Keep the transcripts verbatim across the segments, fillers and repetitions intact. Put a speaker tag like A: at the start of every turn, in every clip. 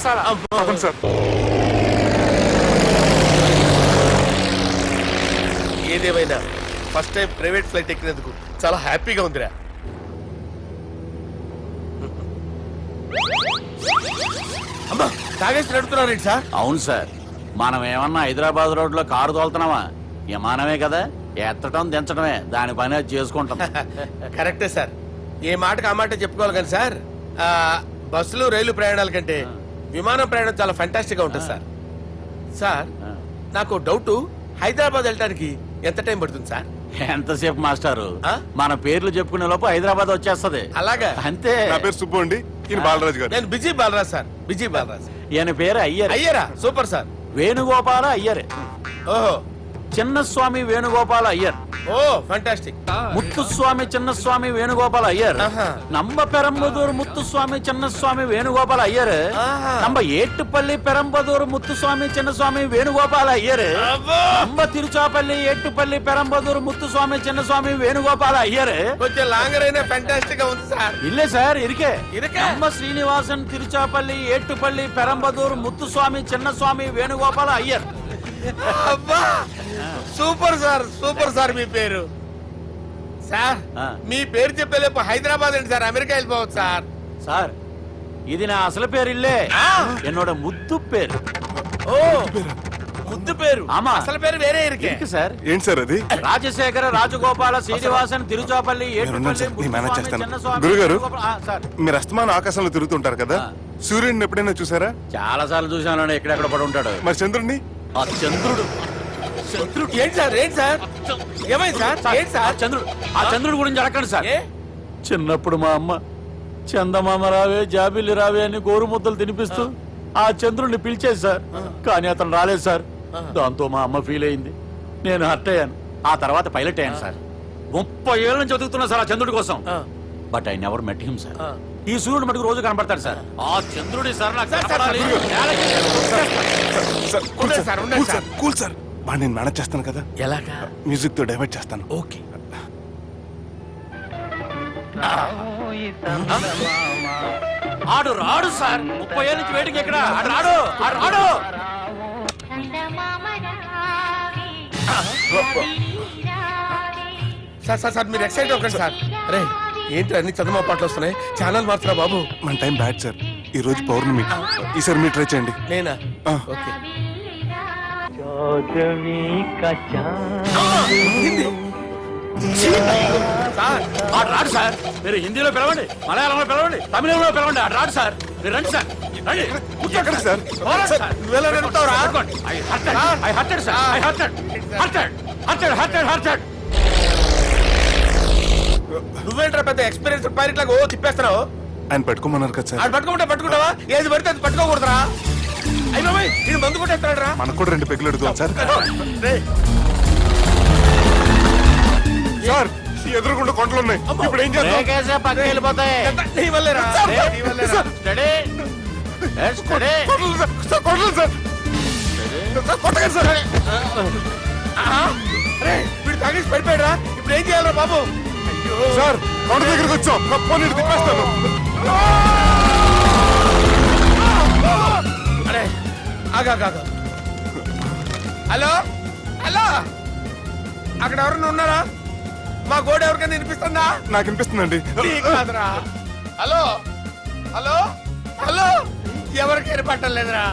A: మసాలా.
B: అవును సార్.
C: ఏదేమైనా first time private flight ఎక్కినందుకు చాలా హ్యాపీగా ఉందిరా. అమ్మా తాగేసి నడుపుతున్నారేంటి సార్?
A: అవును సార్, మనం ఏమన్నా హైదరాబాద్ రోడ్ లో కారు తోలుతున్నామా? విమానమే కదా, ఎత్తడం దించడమే దాని పని అది చేసుకుంటాం.
C: కరెక్టే సార్, ఏ మాటకు ఆ మాట చెప్పుకోవాలి కానీ సార్, ఆ, బస్సులు రైలు ప్రయాణాల కంటే విమానం ప్రయాణం చాలా ఫంటాస్టిక్ గా ఉంటుంది సార్. సార్ నాకు డౌట్, హైదరాబాద్ వెళ్ళడానికి ఎంత టైం పడుతుంది సార్?
A: ఎంతసేపు మాస్టారు,
C: ఆ?
A: మన పేర్లు చెప్పుకునే లోపు హైదరాబాద్ వచ్చేస్తది.
C: అలాగా?
A: అంతే.
B: నా పేరు సుబ్బు అండి, ఈయన బాలరాజు గారు.
C: నేను busy Balaraj sir, busy Balaraj.
A: ఈయన పేరు అయ్యర్.
C: అయ్యరా, సూపర్ సార్.
A: వేణుగోపాల అయ్యర్.
C: ఓహో,
A: చిన్నస్వామి వేణుగోపాల అయ్యర్.
C: ఓ ఫంటాస్టిక్.
A: ముత్తుస్వామి చిన్నస్వామి వేణుగోపాల అయ్యర్.
C: ఆహా.
A: నంబ పెరంబదూరు ముత్తుస్వామి చిన్నస్వామి వేణుగోపాల అయ్యర్.
C: ఆహా.
A: నంబ ఏట్టుపల్లి పెరంబదూరు ముత్తుస్వామి చిన్నస్వామి వేణుగోపాల అయ్యర్.
C: అబ్బో!
A: నంబ తిరుచాపల్లి ఏట్టుపల్లి పెరంబదూరు ముత్తుస్వామి చిన్నస్వామి వేణుగోపాల అయ్యర్.
C: కొంచెం లాంగర్ అయినా ఫంటాస్టిక్ గా ఉంది సార్.
A: ఇల్లే సార్, ఇరికే.
C: ఇరికే?
A: నంబ శ్రీనివాసన్ తిరుచాపల్లి ఏట్టుపల్లి పెరంబదూరు ముత్తుస్వామి చిన్నస్వామి వేణుగోపాల అయ్యర్.
C: అబ్బా సూపర్ సార్, సూపర్ సార్. మీ పేరు సార్,
A: ఆ.
C: మీ పేరు చెప్పేలేపు హైదరాబాద్ ఏంటి సార్, అమెరికా వెళ్ళిపోవచ్చు సార్.
A: సార్ ఇది నా అసలు పేరు ఇల్లే,
C: ఆ.
A: ఎన్నోడ ముద్దు పేరు.
C: ఓ ముద్దు పేరు.
A: ఆమా.
C: అసలు పేరు వేరే ఇరికే.
A: ఇరికి సార్.
B: ఏంటి సార్ అది?
A: రాజశేఖర రాజగోపాల శ్రీనివాసన్ తిరుచాపల్లి
B: నేనున్నాను సార్, నేను మేనేజ్ చేస్తాను.
A: చిన్నస్వామి
B: గురుగారు,
A: వేణుగోపాల- ఆ, సార్
B: మీరు అస్తమానం ఆకాశంలో తిరుగుతుంటారు కదా,
A: ఆ.
B: సూర్యుడిని ఎప్పుడైనా చూసారా?
A: చాలా సార్లు చూసాను, ఎక్కడెక్కడ పడి ఉంటాడు.
B: మరి చంద్రుడిని?
A: ఆ చంద్రుడు.
C: చంద్రుడు ఏంటి సార్, ఏంటి సార్, ఏమైంది సార్, ఏంటి
A: ఆ
C: సార్?
A: చంద్రుడు, ఆ చంద్రుడు గురించి అడగండి సార్.
C: ఏ?
A: చిన్నప్పుడు మా అమ్మ చందమామ రావే జాబిల్లి రావే అని గోరు ముద్దలు తినిపిస్తూ ఆ చంద్రుడిని పిలిచేది సార్, కానీ అతను రాలేదు సార్. దాంతో మా అమ్మ ఫీల్ అయింది, నేను హర్ట్ అయ్యాను. ఆ తర్వాత పైలట్ అయ్యాను సార్. ముప్పై ఏళ్ళ నుంచి చదువుతున్నా సార్ ఆ చంద్రుడి కోసం.
C: ఆ.
A: But I never met him sir.
C: ఆ.
A: ఈ సూర్యుడు మటుకు రోజు కనపడతాడు సార్. ఆ చంద్రుడి సార్ నాకు
C: సార్, సార్,
A: కనపడాలి.
B: సార్, కూల్
C: ఉండండి
B: సార్,
C: సార్, ఉండండి
B: కూల్ సార్, కూల్ సార్. బా నేను మేనేజ్ చేస్తాను కదా,
C: ఎలాగా?
B: మ్యూజిక్ తో డైవర్ట్ చేస్తాను.
C: ఓకే.
A: ఆడు రాడు సార్, ముప్పై ఏళ్ళ నుంచి వేటికి ఎక్కడ ఆడు రాడు, ఆడు రాడు.
C: సార్ సార్ సార్ మీరు ఎక్సైట్ అవ్వకండి సార్. రే ఏంటి అన్ని చదువు పాటలు వస్తున్నాయి, ఛానల్ మార్చరా బాబు.
B: మన టైం బ్యాడ్ సార్, ఈ రోజు పౌర్ణమి, ఈసారి మీరు ట్రై చేయండి.
C: నేనా?
B: ఆ.
C: ఓకే. సార్
A: ఆడు రాడు సార్, మీరు హిందీలో పిలవండి, మలయాళంలో పిలవండి, తమిళంలో పిలవండి, ఆడు రాడు సార్. మీరు రండి సార్, రండి.
B: ఎక్కడ సార్?
A: పోరాడు సార్.
C: నువ్వెలా నడుపుతావురా?
A: పట్టుకోండి. I hurted, I hurted sir, I hurted, hurted, hurted, hurted, hurted.
C: నువ్వేంట్రా పెద్ద ఎక్స్పీరియన్స్ పైలట్ లాగా ఓ తిప్పేస్తున్నావు?
B: ఆయన పెట్టుకోమన్నారు కదా సార్.
C: ఆడు పట్టుకుంటా పట్టుకుంటావా? ఏది పడితే అది పట్టుకోకూడదురా. అయ్యి బాబాయ్ నేను మందు కొట్టేస్తాడు రా.
B: మనకు కూడా రెండు పెగ్గులు ఎడుగుతాం సార్.
C: రేయ్,
B: సార్ ఎదురుకుండా కొండలు ఉన్నాయి, ఇప్పుడు ఏం చేద్దాం?
A: బ్రేకేసే పక్కకి వెళ్ళిపోతాయి.
C: ఎంత నీ వల్లేరా?
B: సార్,
C: రేయ్, నీ వల్లేరా?
B: సార్.
A: Steady. Yes, steady.
B: కొండలు సార్, సార్, కొండలు సార్. సార్, కొట్టకండి సార్.
C: ఆహా. రేయ్, వీడు తాగేసి పడిపోయాడు రా. ఇప్పుడు ఏం చేయాలరా బాబు? అయ్యో
B: సార్ కొండ దగ్గరికి వచ్చాం, పోనీ ఇటు తిప్పేస్తాను.
C: అరే ఆగా ఆగా. హలో హలో, అక్కడ ఎవరన్నా ఉన్నారా? మా గోడ ఎవరికైనా వినిపిస్తుందా?
B: నాకు అనిపిస్తుందండి.
C: నీకు కాదురా. హలో హలో హలో, ఎవరికి ఏర్పట్టలేదురా.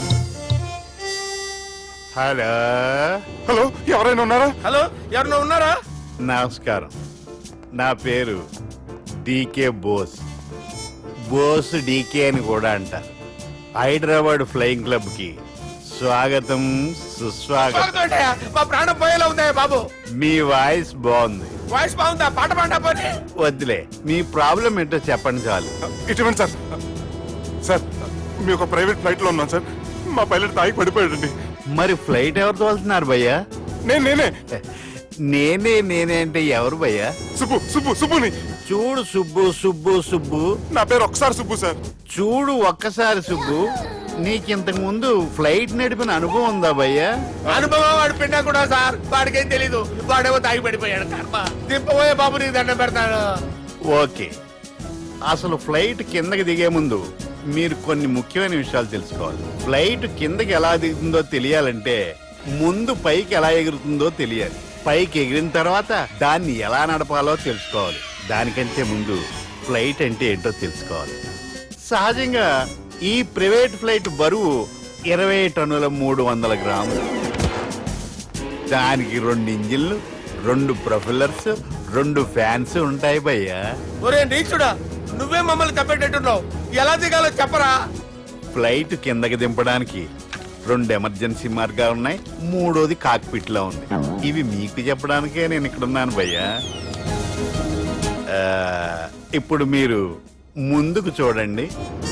D: హలో
B: హలో, ఎవరైనా ఉన్నారా?
C: హలో ఎవరన్నా ఉన్నారా?
D: నమస్కారం, నా పేరు డీకే బోస్. బోస్ డీకే అని కూడా అంటారు. హైదరాబాద్ ఫ్లయింగ్ క్లబ్ కి స్వాగతం సుస్వాగతం.
C: స్వాగతం ఏంటయ్యా? మా ప్రాణం పోయేలా ఉందా బాబు?
D: మీ వాయిస్ బాగుంది.
C: వాయిస్ బాగుందా? పాట పాడా పోనీ.
D: వద్దులే, మీ ప్రాబ్లం ఏంటో చెప్పండి చాలు.
B: ఇటువంటి సార్, సార్ మీ ఒక ప్రైవేట్ ఫ్లైట్ లో ఉన్నాం సార్, మా పైలట్ తాగి పడిపోయాడండి.
D: మరి ఫ్లైట్ ఎవరు తోలుతున్నారు భయ్యా?
B: నేను నేనే
D: నేనే నేనే అంటే ఎవరు భయ్యా?
B: సుబ్బు సుబ్బు సుబ్బుని.
D: చూడు సుబ్బు సుబ్బు సుబ్బు,
B: నా పేరు ఒకసారి సుబ్బు సార్.
D: చూడు ఒక్కసారి సుబ్బు, నీకింతకు ముందు ఫ్లైట్ నడిపిన అనుభవం ఉందా భయ్యా?
C: అనుభవం వాడు పిండా కూడా సార్, వాడికేం తెలీదు. వాడేమో తాగి పడిపోయాడు. కర్మ దింపబోయే బాబు నీకు దండం పెడతాడు.
D: ఓకే, అసలు ఫ్లైట్ కిందకి దిగే ముందు మీరు కొన్ని ముఖ్యమైన విషయాలు తెలుసుకోవాలి. ఫ్లైట్ కిందకి ఎలా దిగుతుందో తెలియాలంటే ముందు పైకి ఎలా ఎగురుతుందో తెలియాలి. పైకి ఎగిరిన తర్వాత దాన్ని ఎలా నడపాలో తెలుసుకోవాలి. దానికంటే ముందు ఫ్లైట్ అంటే ఏంటో తెలుసుకోవాలి. సహజంగా ఈ ప్రైవేట్ ఫ్లైట్ బరువు ఇరవై టన్నుల మూడు వందల గ్రాములు. దానికి రెండు ఇంజిన్లు, రెండు ప్రొఫెల్లర్స్, రెండు ఫ్యాన్స్ ఉంటాయి భయ్యా.
C: ఒరే నీచుడా, నువ్వే మమ్మల్ని తప్పేటట్టున్నావు. ఎలా దిగాలో చెప్పరా?
D: ఫ్లైట్ కిందకి దింపడానికి రెండు ఎమర్జెన్సీ మార్గాలు ఉన్నాయి. మూడోది కాక్పిట్ లో ఉంది. ఇవి మీకు చెప్పడానికే నేను ఇక్కడ ఉన్నాను భయ్యా. ఆ, ఇప్పుడు మీరు ముందుకు చూడండి.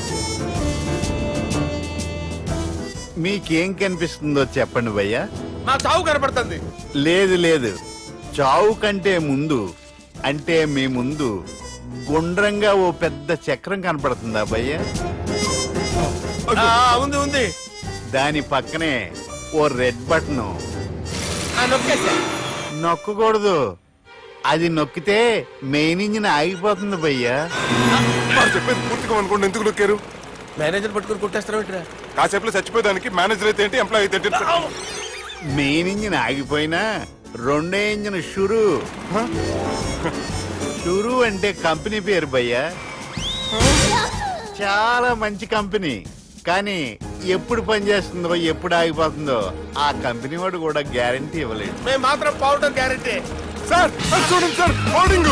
D: మీకేం కనిపిస్తుందో చెప్పండి భయ్యా.
C: మా చావు కనపడుతుంది.
D: లేదు లేదు, చావు కంటే ముందు అంటే మీ ముందు గుండ్రంగా ఓ పెద్ద చక్రం కనపడుతుందా భయ్యా?
C: ఆ, ఉంది ఉంది.
D: దాని పక్కనే ఓ రెడ్ బటన్.
C: ఆ, నొక్కేసా.
D: నొక్కకూడదు, అది నొక్కితే మెయిన్ ఇంజిన్ ఆగిపోతుంది భయ్యా.
B: వాడు చెప్పేది పూర్తిగా అనుకోండి, ఎందుకు నొక్కారు?
C: మేనేజర్ పట్టుకుని కొట్టేస్తారా?
B: కాసేపులో చచ్చిపోయేదానికి మేనేజర్ అయితే ఏంటి, ఎంప్లాయ్ అయితే ఏంటి?
D: మెయిన్ ఇంజిన్ ఆగిపోయినా రెండో ఇంజిన్ షురు. షురు అంటే కంపెనీ పేరు భయ్యా. చాలా మంచి కంపెనీ. కానీ ఎప్పుడు పనిచేస్తుందో ఎప్పుడు ఆగిపోతుందో ఆ కంపెనీ వాడు కూడా గ్యారంటీ ఇవ్వలేదు.
C: మేము మాత్రం పౌడర్ గ్యారెంటీ.
B: సార్ అది చూడండి సార్, హోర్డింగ్.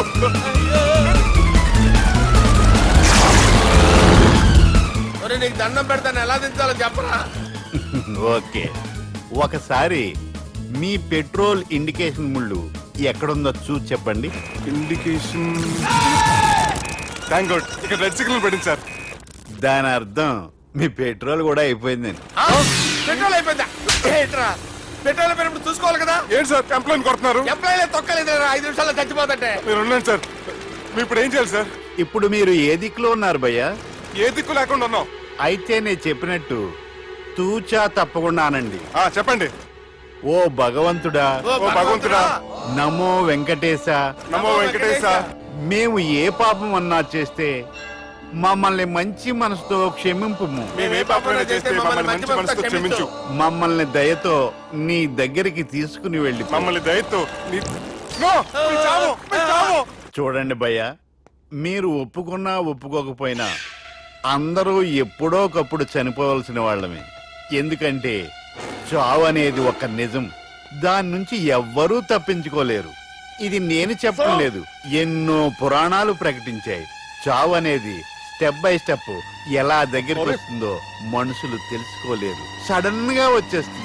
C: ఒరే నీకు దండం పెడతాను, ఎలా దించాలో చెప్పరా?
D: ఓకే, ఒకసారి మీ పెట్రోల్ ఇండికేషన్ ముళ్ళు ఎక్కడుందో చూసి చెప్పండి.
B: ఇండికేషన్. థ్యాంక్ గాడ్, ఇక్కడ రెడ్ సిగ్నల్ పడింది సార్.
D: దాని అర్థం మీ పెట్రోల్ కూడా అయిపోయిందని.
C: ఆ? పెట్రోల్ అయిపోయిందా? ఏంట్రా, పెట్రోల్ అయిపోయినప్పుడు చూసుకోవాలి కదా.
B: ఏంటి సార్ కంప్లైంట్ కొడుతున్నారు?
C: ఎంప్లాయీలే తొక్కలేదు, ఐదు నిమిషాల్లో చచ్చిపోతుంటే.
B: మీరు ఉండండి సార్, మీరు ఇప్పుడు ఏం చేయాలి సార్?
D: ఇప్పుడు మీరు ఏ దిక్కులో ఉన్నారు భయ్యా?
B: ఏ దిక్కు లేకుండా ఉన్నాం.
D: అయితే నేను చెప్పినట్టు తూచా తప్పకుండా అనండి.
B: ఆ, చెప్పండి.
D: ఓ భగవంతుడా,
C: ఓ
B: ఓ భగవంతుడా,
D: నమో వెంకటేశ,
B: నమో వెంకటేశ.
D: మేము ఏ పాపం అన్నా చేస్తే మమ్మల్ని మంచి మనసుతో క్షమింపు.
B: మేము ఏ పాపమైనా చేస్తే మమ్మల్ని మంచి మనసుతో క్షమించు.
D: మమ్మల్ని దయతో నీ దగ్గరికి తీసుకుని వెళ్ళి
B: మమ్మల్ని దయతో నీ- నో, మీ చావు, మీ చావు.
D: చూడండి భయ్య, మీరు ఒప్పుకున్నా ఒప్పుకోకపోయినా అందరూ ఎప్పుడో ఒకప్పుడు చనిపోవలసిన వాళ్ళమే. ఎందుకంటే చావు అనేది ఒక నిజం, దాని నుంచి ఎవ్వరూ తప్పించుకోలేరు. ఇది నేను చెప్పడం లేదు, ఎన్నో పురాణాలు ప్రకటించాయి. చావు అనేది స్టెప్ బై స్టెప్ ఎలా దగ్గరికి వస్తుందో మనుషులు తెలుసుకోలేరు, సడన్ గా వచ్చేస్తుంది.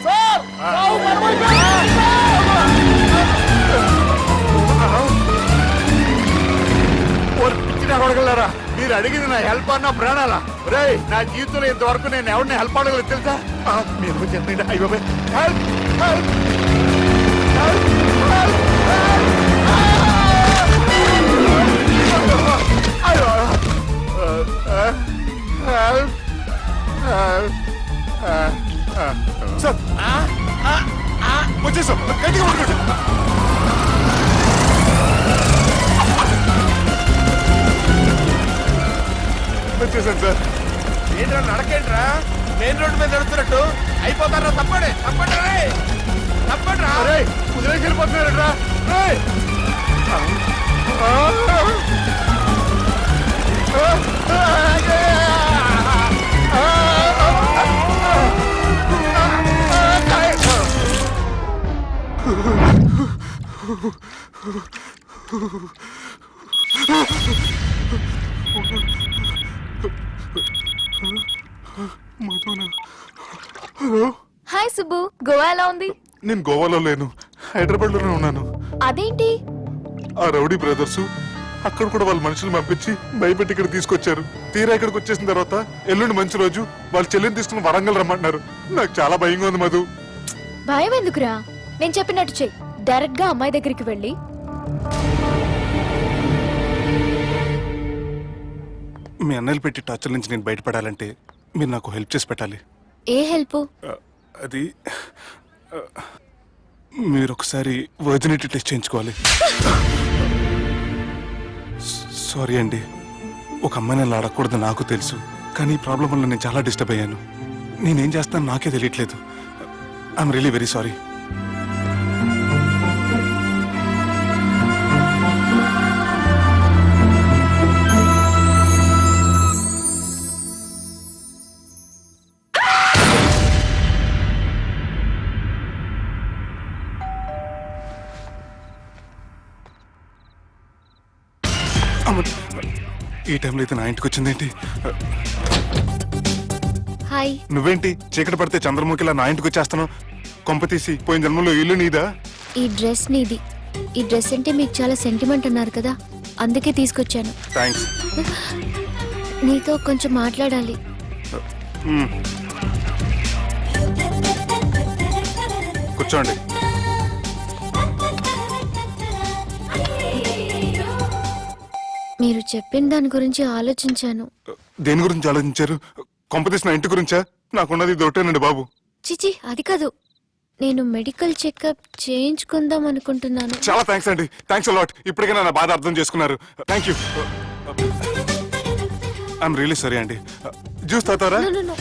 D: కొడగలరా, మీరు అడిగింది నా హెల్ప్ అన్న ప్రాణాలా? రే, నా జీవితంలో ఇంతవరకు నేను ఎవరిని హెల్ప్ అడగలేదు తెలుసా? ఆ, మీరు చెప్పండి. అయ్యో హెల్ప్, హెల్ప్, హెల్ప్, అయ్యో, హెల్ప్,
B: సార్ వచ్చేసాం, గట్టిగా పట్టుకోండి. వచ్చేసాను సార్.
C: ఏంట్రా నడకేంట్రా, మెయిన్ రోడ్డు మీద నడుస్తున్నట్టు అయిపోతారా? తప్పండి తప్పండి రే, తప్పండి రా.
D: కుదిరేసి వెళ్ళిపోతున్నారట్రా.
E: హాయ్ సుబ్బు, గోవా ఎలా ఉంది?
B: నేను గోవాలో లేను, హైదరాబాద్ లోనే ఉన్నాను.
E: అదేంటి?
B: ఆ రౌడీ బ్రదర్స్ అక్కడ కూడా వాళ్ళ మనుషులు పంపించి భయపెట్టి ఇక్కడ తీసుకొచ్చారు. తీరా ఇక్కడికి వచ్చేసిన తర్వాత ఎల్లుండి మంచి రోజు వాళ్ళ చెల్లిని తీసుకుని వరంగల్ రమ్మంటున్నారు. నాకు చాలా భయంగా ఉంది మధు.
E: భయం ఎందుకురా, నేను చెప్పినట్టు చెయ్యి. డైరెక్ట్ గా అమ్మాయి దగ్గరికి వెళ్ళి
B: మీ అన్నయ్యలు పెట్టి టార్చర్ నుంచి నేను బయటపడాలంటే మీరు నాకు హెల్ప్ చేసి పెట్టాలి.
E: ఏ హెల్ప్?
B: ఆ, అది ఆ, మీరు ఒకసారి వర్జినిటీ టెస్ట్ చేయించుకోవాలి. సారీ అండి, ఒక అమ్మాయిని అలా అడగకూడదు నాకు తెలుసు, కానీ ఈ ప్రాబ్లం వల్ల నేను చాలా డిస్టర్బ్ అయ్యాను. నేనేం చేస్తాను నాకే తెలియట్లేదు. I'm really very sorry. ఈ టైంలో అయితే నా ఇంటికి వచ్చిందేంటి?
E: హాయ్.
B: నువ్వేంటి చీకటి పడితే చంద్రముఖిలా నా ఇంటికి వచ్చేస్తాను? కొంప తీసి పోయిన జన్మలో ఇల్లు నీదా?
E: ఈ డ్రెస్ నీది. ఈ డ్రెస్ అంటే మీకు చాలా సెంటిమెంట్ అన్నారు కదా, అందుకే తీసుకొచ్చాను.
B: థ్యాంక్స్.
E: నీతో కొంచెం మాట్లాడాలి.
B: కూర్చోండి.
E: మీరు చెప్పిన దాని గురించి ఆలోచించాను.
B: దేని గురించి ఆలోచించారు? కొంపతీసి నా ఇంటి గురించా? నాకున్నది దొరటేనండి బాబు.
E: చిచి, అది కాదు. నేను మెడికల్ చెకప్ చేయించుకుందాం అనుకుంటున్నాను.
B: చాలా థ్యాంక్స్ అండి. Thanks a lot. ఇప్పటికైనా నా బాధ అర్థం చేసుకున్నారు. Thank you. I'm really sorry అండి. జ్యూస్ తాతారా?
E: No, no, no.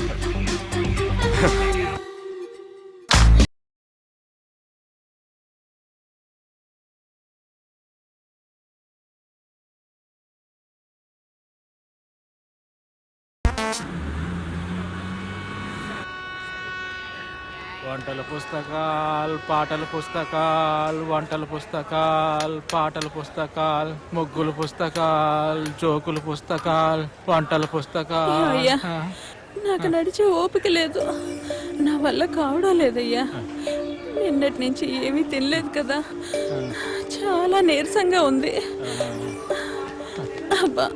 F: వంటల పుస్తకాలు, పాటల పుస్తకాలు, వంటల పుస్తకాలు, పాటల పుస్తకాలు, ముగ్గుల పుస్తకాలు, జోకుల పుస్తకాలు, వంటల పుస్తకాలు.
G: అయ్యా, నాకు నడిచే ఓపిక లేదు. నా వల్ల కావడం లేదయ్యా. నిన్నటి నుంచి ఏమీ తినలేదు కదా, చాలా నీరసంగా ఉంది. అబ్బా,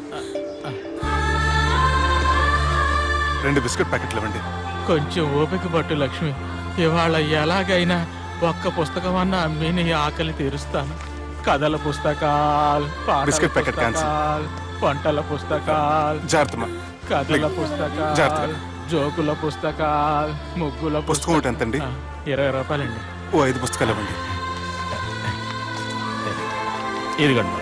B: రెండు బిస్కెట్ ప్యాకెట్లు ఇవ్వండి.
F: కొంచెం ఓపిక పట్టు లక్ష్మి. ఇవాళ ఎలాగైనా ఒక్క పుస్తకం అన్న అమ్మి నీ ఆకలి తీరుస్తాను. కథల పుస్తకాలు, పాటల
B: బిస్కెట్ ప్యాకెట్ క్యాన్సిల్.
F: పుస్తకాలు, వంటల పుస్తకాలు,
B: జాగ్రత్తమ్మా.
F: కథల పుస్తకాలు,
B: జాగ్రత్తగా.
F: జోకుల పుస్తకాలు, ముగ్గుల
B: పుస్తకం ఒకటి ఎంతండి?
F: ఆ, ఇరవై రూపాయలండి.
B: ఓ ఐదు పుస్తకాలు ఇవ్వండి.
F: ఇదిగండి.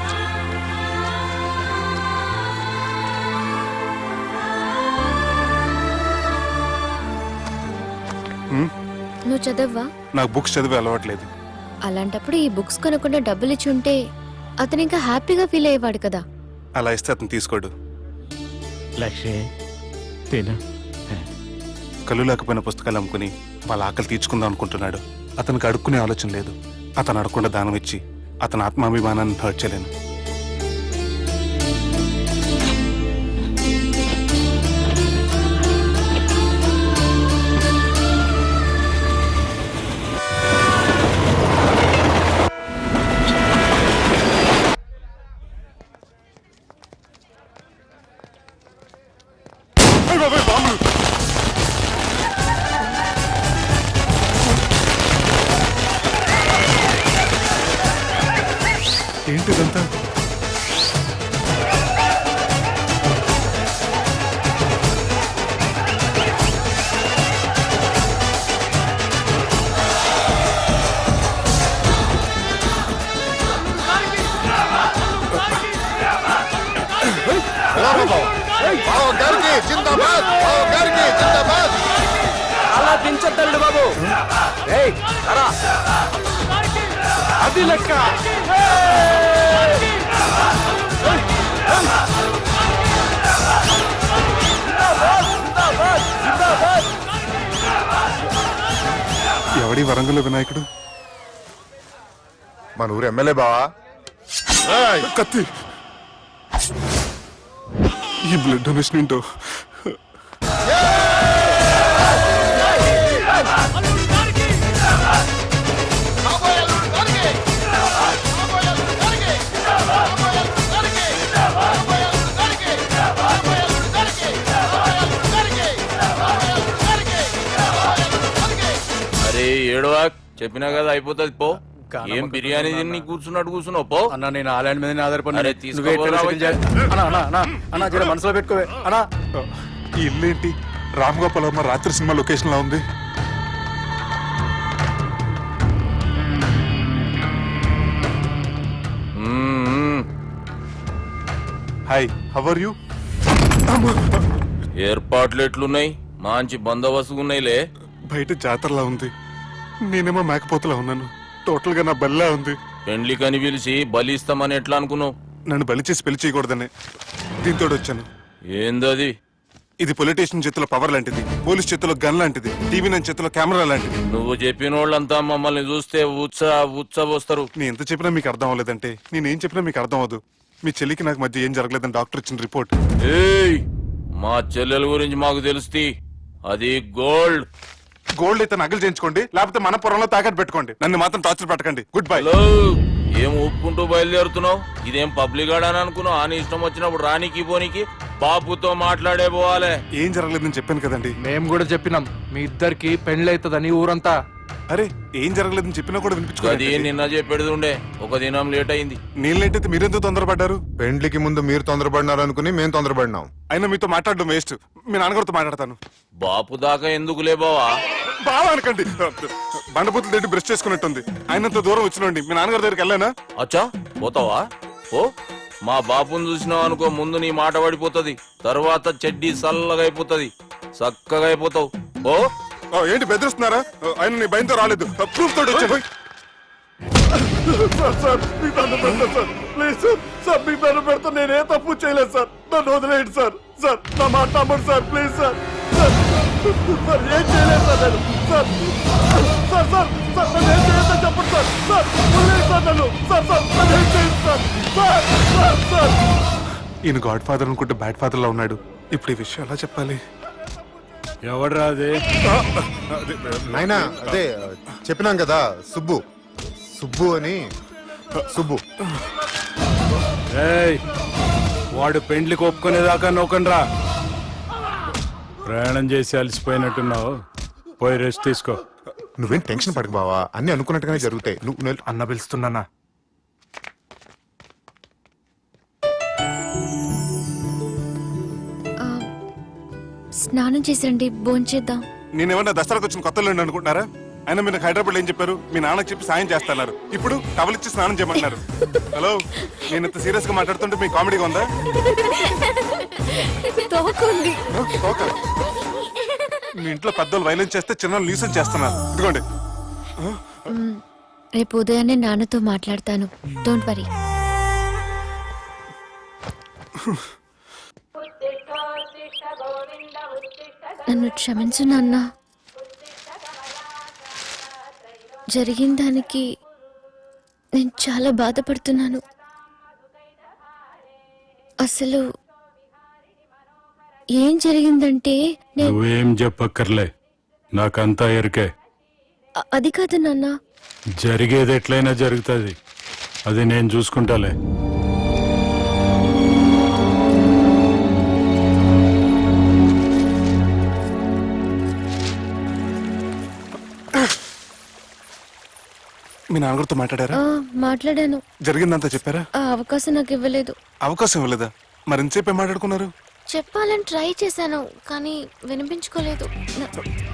E: నువ్వు చదవ్వా?
B: నాకు బుక్స్ చదివే అలవాట్లేదు.
E: అలాంటప్పుడు ఈ బుక్స్ కొనకుండా డబ్బులు ఇచ్చి ఉంటే అతను ఇంకా హ్యాపీగా ఫీల్ అయ్యేవాడు కదా.
B: అలా ఇస్తే అతను తీసుకోడు.
F: లక్ష్మి తిను.
B: కళ్ళు లేకపోయిన పుస్తకాలు అమ్ముకుని వాళ్ళ ఆకలి తీర్చుకుందాం అనుకుంటున్నాడు. అతనికి అడుక్కునే ఆలోచన లేదు. అతను అడగకుండా దానం ఇచ్చి అతని ఆత్మాభిమానాన్ని హర్ట్ చేయలేను. ఏంటిదంతా?
C: అలా దించద్దండి బాబు. ఏయ్, రా. అది లెక్క.
B: ఎవడి వరంగల్ వినాయకుడు?
H: మన ఊరు ఎమ్మెల్యే బావా.
B: కత్తి. ఈ బ్లడ్ డొనేషన్ ఏంటో.
I: అరే ఏడవా, చెప్పినా కదా అయిపోతుంది పో. ఏం బిర్యానీ తిని కూర్చున్నట్టు కూర్చున్నావు పో.
A: అన్న నేను ఆ ల్యాండ్ మీద ఆధారపడి
I: అరే తీసుకోపోరా వచ్చి.
A: మనసులో పెట్టుకోవే అన్నా.
B: ఈ ఇల్లు ఏంటి రామ్ గోపాల్ వర్మ రాత్రి సినిమా లొకేషన్ లా ఉంది.
I: మ్మ్.
B: Hi, how are you?
I: ఏర్పాట్లు ఎట్లున్నాయి? మంచి బందోబస్తు ఉన్నాయిలే.
B: బయట జాతరలా ఉంది, నేనేమో మేకపోతలా ఉన్నాను. టోటల్ గా నా బల్లా ఉంది.
I: పెండ్లి కని పిలిచి బలి ఇస్తామని ఎట్లా అనుకున్నావు?
B: నన్ను బలి చేసి పెళ్లి చేయకూడదని దీంతో వచ్చాను.
I: ఏందది?
B: ఇది పొలిటీషియన్ చేతిలో పవర్ లాంటిది, పోలీస్ చేతిలో గన్ లాంటిది, టీవీ నైన్ చేతిలో కెమెరా లాంటిది.
I: నువ్వు చెప్పిన వాళ్ళంతా మమ్మల్ని చూస్తే ఉత్స ఉత్స వస్తారు.
B: నేను ఎంత చెప్పినా మీకు అర్థం అవ్వలేదంటే నేనేం చెప్పినా మీకు అర్థం అవ్వదు. మీ చెల్లికి నాకు మధ్య ఏం జరగలేదని డాక్టర్ ఇచ్చిన రిపోర్ట్.
I: ఏయ్, మా చెల్లెల గురించి మాకు తెలుస్తుంది. అది గోల్డ్.
B: గోల్డ్ అయితే నగలు చేయించుకోండి, లేకపోతే మన పొలంలో తాకట్టు పెట్టుకోండి. నన్ను మాత్రం టార్చర్ పెట్టకండి. Good bye.
I: హలో, ఏం ఒప్పుకుంటూ బయలుదేరుతున్నావు? ఇదేం పబ్లిక్ గాడని అనుకున్నావు? అని ఇష్టం వచ్చినప్పుడు రానికి పోనీకి బాపుతో మాట్లాడే పోవాలి.
B: ఏం జరగలేదని చెప్పాను కదండి.
H: మేము కూడా చెప్పినాం మీ ఇద్దరికి పెళ్ళైతుందని ఊరంతా.
B: అరే ఏం జరగలేదని చెప్పినా కూడా
I: అది
B: వినిపించుకోండి.
I: నిన్న చెప్పేది ఉండే, ఒక దినం లేట్ అయింది.
B: నేను లేట్ అయితే మీరెందుకు తొందరపడ్డారు?
J: పెండ్లికి ముందు మీరు తొందరపడినారు అనుకుని మేము తొందరపడినాం.
B: అయినా మీతో మాట్లాడడం వేస్ట్. మీ నాన్నగారితో మాట్లాడతాను.
I: బాపు దాకా ఎందుకులే బావా?
B: బాగా అనకండి, బండబూతులు తిట్టి బ్రష్ చేసుకున్నట్టుంది. ఆయనంత దూరం వచ్చినండి. మీ నాన్నగారి దగ్గరికి వెళ్ళానా?
I: అచ్చా, పోతావా? ఓ, మా బాపుని చూసినావు అనుకో, ముందు నీ మాట పడిపోతుంది, తర్వాత చెడ్డీ చల్లగా అయిపోతుంది, చక్కగా అయిపోతావు. ఓ
B: ఓ, ఏంటి బెదిరిస్తున్నారా? ఆయన నీ భయంతో రాలేదు, ప్రూఫ్ తోటి వచ్చాను.
A: సార్ సార్ మీకు దండం పెడతా సార్, ప్లీజ్ సార్. సార్ మీకు దండం పెడతా, నేనే తప్పు చేయలేదు సార్. నన్ను వదిలేయండి సార్. సార్ నా మాట నమ్మండి sir, please sir. Sir sir ఏం చేయలేదు సార్ నేను. సార్ సార్ సార్ సార్ నన్ను ఏం చేయొద్దని చెప్పండి సార్. సార్ వదిలేయండి సార్ నన్ను. సార్ సార్ నన్ను ఏం చేయండి సార్. సార్ సార్ సార్
B: ఈయన గాడ్ ఫాదర్ అనుకుంటే బ్యాడ్ ఫాదర్ లా ఉన్నాడు. ఇప్పుడు ఈ విషయం ఎలా చెప్పాలి?
A: ఎవడ్రా అది?
J: నాయనా అదే చెప్పినాం కదా, సుబ్బు సుబ్బు అని. సుబ్బు
A: వాడు పెండ్లికి ఒప్పుకునేదాకా నౌకండ్రా. ప్రయాణం చేసి అలసిపోయినట్టున్నావు, పోయి రెస్ట్ తీసుకో.
J: నువ్వేం టెన్షన్ పడకు బావా, అన్ని అనుకున్నట్టుగానే జరుగుతాయి. నువ్వు నువ్వు-
B: అన్న పిలుస్తున్నానా?
E: ఆ, స్నానం చేసండి, భోంచేద్దాం.
B: నేనేమన్నా దసరాకు వచ్చిన కొత్తలో అనుకుంటున్నారా? అయినా మీరు హైదరాబాద్ ఏం చెప్పారు? మీ నాన్నకి చెప్పి సాయం చేస్తున్నారు. ఇప్పుడు టవలిచ్చి స్నానం చేయమంటున్నారు. హలో, నేను ఇంత సీరియస్ గా మాట్లాడుతుంటే మీ కామెడీగా ఉందా?
E: తోకుంది.
B: ఓకే. మీ ఇంట్లో పెద్దలు వైలెన్స్ చేస్తే చిన్న లీసన్ చేస్తున్నారు. ఇదిగోండి.
E: రేపు ఉదయాన్నే నాన్నతో మాట్లాడతాను, డోంట్ వరీ. నన్ను క్షమించు నాన్న. జరిగిన దానికి నేను చాలా బాధపడుతున్నాను. అసలు ఏం జరిగిందంటే నేను
K: నువ్వేం చెప్పక్కర్లే, నాకంతా ఎరికే.
E: అ- అది కాదు నాన్న.
K: జరిగేది ఎట్లయినా జరుగుతుంది, అది నేను చూసుకుంటాలే.
B: మీ నాన్నగారితో మాట్లాడారా?
E: ఆ, మాట్లాడాను.
B: జరిగిందంతా చెప్పారా?
E: ఆ అవకాశం నాకు ఇవ్వలేదు.
B: అవకాశం ఇవ్వలేదా? మరి ఎంతసేపు ఏం మాట్లాడుకున్నారు?
E: చెప్పాలని ట్రై చేశాను, కానీ వినిపించుకోలేదు. నా-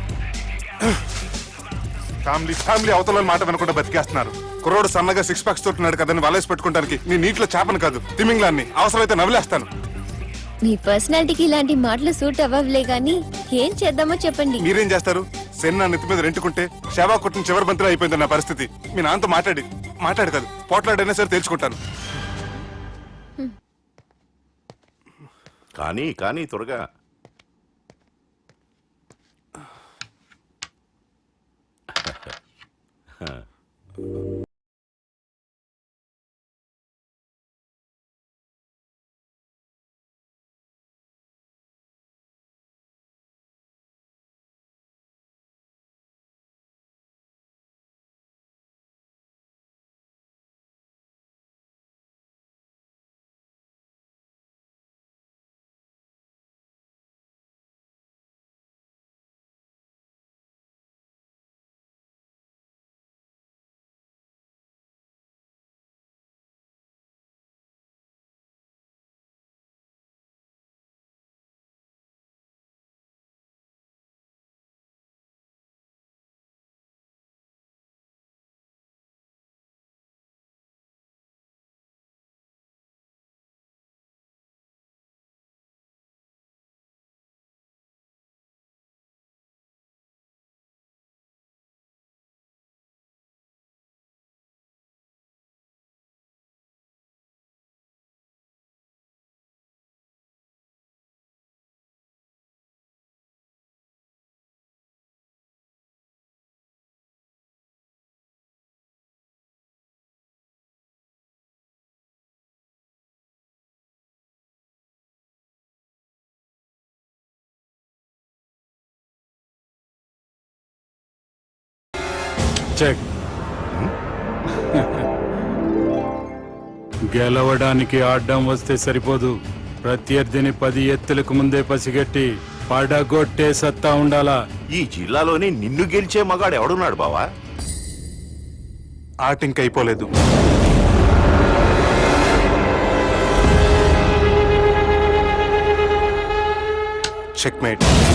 B: ఫ్యామిలీ ఫ్యామిలీ అవతల మాట వినకుండా బతికేస్తున్నారు. కుర్రోడు సన్నగా సిక్స్ ప్యాక్స్ తోటున్నాడు కదని వలేసి పెట్టుకోవడానికి నీ నీటిలో చేపను కాదు, తిమింగ్లాన్ని అవసరమైతే నవ్వులేస్తాను.
E: మీ పర్సనాలిటీకి ఇలాంటి మాటలు సూట్ అవ్వలే గానీ ఏం చేద్దామో చెప్పండి.
B: మీరేం చేస్తారు? సెన్ నా నెత్తి మీద రెంటుకుంటే శవా కొట్టిన చివరి బంతిలో అయిపోయింది నా పరిస్థితి. మీ నాన్నతో మాట్లాడి మాట్లాడు కాదు, పోట్లాడైనా సరే తేల్చుకుంటాను.
D: కానీ కానీ త్వరగా
K: చెక్ గెలవడానికి ఆడ్డం వస్తే సరిపోదు, ప్రత్యర్థిని పది ఎత్తులకు ముందే పసిగట్టి పడగొట్టే సత్తా ఉండాలా.
D: ఈ జిల్లాలోని నిన్ను గెలిచే మగాడు ఎవడున్నాడు బావా?
B: ఆట ఇంక అయిపోలేదు. Check mate.